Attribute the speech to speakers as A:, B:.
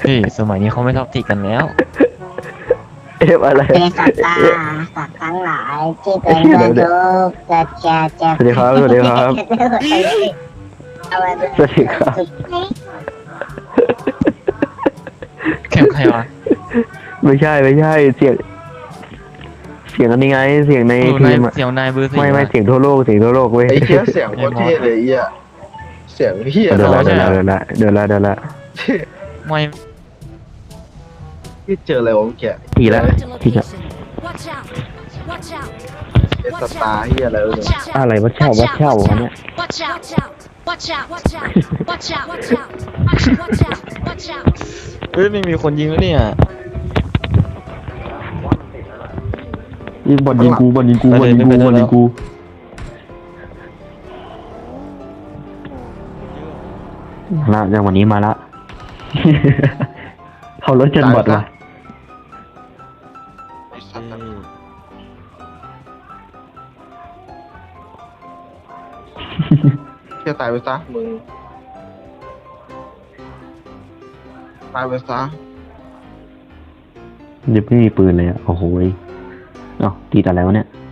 A: พี่สมัยนี้เขาไม่ท็อกซิกกันแล้ว
B: เอฟอะไร
C: เป็นสัตว์ตาสัตว์ทั้งหลายที่เป็นเพื่อนทุกข์จะ
B: สวัสดีครับสวัสดีครับ
C: เอาไว้
B: สวัสดีครับ
A: แคมใครวะ
B: ไม่ใช่เสียงอันนี้ไงเสียงใน
A: เออ
B: ที
A: นาย
B: มอะ
A: เสียวนายเบอร์สี่
B: ไม่
A: วะ
B: เสียงทั่วโลกเว้ย
D: ไอ้เชี่ยเสียงโคตรเท่เลยไอ้เหี้ยเสียงเหี้ย
B: เดินละ
A: ใช่
B: เดินละ
A: ไม่
D: ที่เจออะไรวะเมื่อกี้
B: ทีละ
E: Marked a location. Watch out! Watch out!
D: เอสตาร์เหี้ยอะไรวะเนี่ย
B: อะไรวัดเช่าวะเนี่ย
E: Watch out! Watch out! Watch out! Watch out! Watch out! Watch out! Watch out!
A: เฮ้ยไม่มีคนยิงแล้วเนี่ย
B: ยิงบอลยิงกูมาละจังหวะนี้มาละ เขารถจนบอดว่ะ
D: ไอ้สัตว์อะเชี่ยตายไปซะมึงตายไปซะ
B: เดี๋ยวไม่มีปืนเลยอ่ะโอ้โหยตีแต่แล้วะเนี่ย